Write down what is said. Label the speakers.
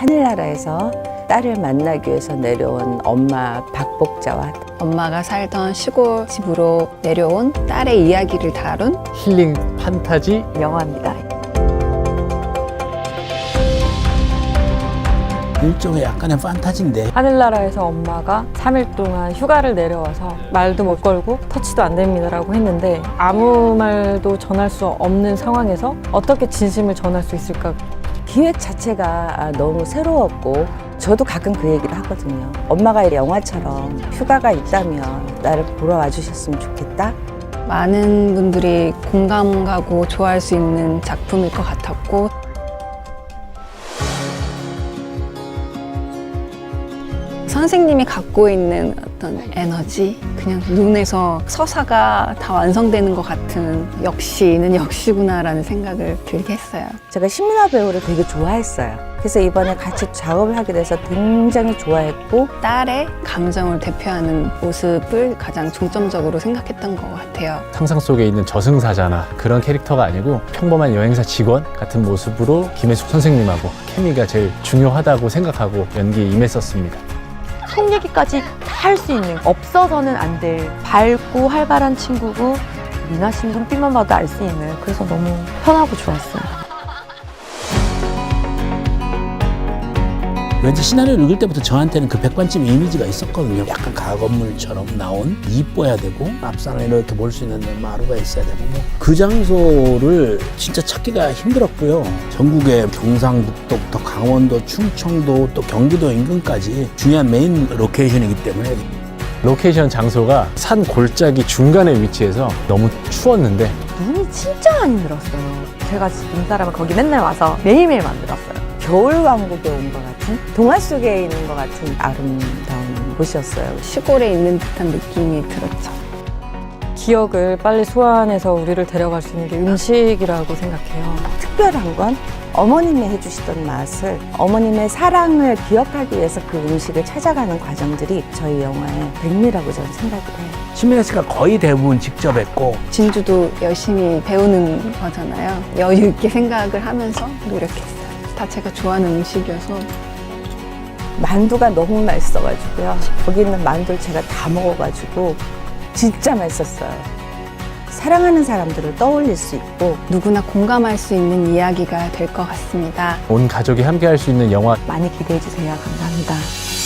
Speaker 1: 하늘나라에서 딸을 만나기 위해서 내려온 엄마 박복자와
Speaker 2: 엄마가 살던 시골 집으로 내려온 딸의 이야기를 다룬
Speaker 3: 힐링 판타지
Speaker 1: 영화입니다.
Speaker 4: 일종의 약간의 판타지인데
Speaker 5: 하늘나라에서 엄마가 3일 동안 휴가를 내려와서 말도 못 걸고 터치도 안 됩니다라고 했는데 아무 말도 전할 수 없는 상황에서 어떻게 진심을 전할 수 있을까?
Speaker 1: 기획 자체가 너무 새로웠고 저도 가끔 그 얘기를 하거든요. 엄마가 이 영화처럼 휴가가 있다면 나를 보러 와주셨으면 좋겠다.
Speaker 2: 많은 분들이 공감 가고 좋아할 수 있는 작품일 것 같았고 선생님이 갖고 있는 어떤 에너지, 그냥 눈에서 서사가 다 완성되는 것 같은 역시는 역시구나라는 생각을 들게 했어요.
Speaker 1: 제가 신민아 배우를 되게 좋아했어요. 그래서 이번에 같이 작업을 하게 돼서 굉장히 좋아했고
Speaker 2: 딸의 감정을 대표하는 모습을 가장 중점적으로 생각했던 것 같아요.
Speaker 3: 상상 속에 있는 저승사자나 그런 캐릭터가 아니고 평범한 여행사 직원 같은 모습으로 김혜숙 선생님하고 케미가 제일 중요하다고 생각하고 연기에 임했었습니다.
Speaker 6: 속 얘기까지 다 할 수 있는, 없어서는 안 될 밝고 활발한 친구고 미나 씨 눈빛만 봐도 알 수 있는, 그래서 너무 편하고 좋았어요.
Speaker 4: 왠지 시나리오를 읽을 때부터 저한테는 그 백반집 이미지가 있었거든요. 약간 가건물처럼 나온 이뻐야 되고 앞산을 이렇게 볼 수 있는 마루가 있어야 되고 그 장소를 진짜 찾기가 힘들었고요. 전국의 경상북도부터 강원도, 충청도 또 경기도 인근까지 중요한 메인 로케이션이기 때문에
Speaker 3: 로케이션 장소가 산 골짜기 중간에 위치해서 너무 추웠는데
Speaker 6: 눈이 진짜 많이 늘었어요. 제가 지금 사람은 거기 맨날 와서 매일매일 만들었어요.
Speaker 1: 겨울왕국에 온 것 같은 동화 속에 있는 것 같은 아름다운 곳이었어요.
Speaker 2: 시골에 있는 듯한 느낌이 들었죠.
Speaker 5: 기억을 빨리 소환해서 우리를 데려갈 수 있는 게 음식이라고 생각해요.
Speaker 1: 특별한 건 어머님이 해주시던 맛을, 어머님의 사랑을 기억하기 위해서 그 음식을 찾아가는 과정들이 저희 영화의 백미라고 저는 생각을 해요.
Speaker 4: 신민아 씨가 거의 대부분 직접 했고
Speaker 2: 진주도 열심히 배우는 거잖아요. 여유 있게 생각을 하면서 노력했어요. 다 제가 좋아하는 음식이어서
Speaker 1: 만두가 너무 맛있어가지고요. 거기 있는 만두를 제가 다 먹어가지고 진짜 맛있었어요. 사랑하는 사람들을 떠올릴 수 있고
Speaker 2: 누구나 공감할 수 있는 이야기가 될 것 같습니다.
Speaker 3: 온 가족이 함께 할 수 있는 영화
Speaker 6: 많이 기대해 주세요. 감사합니다.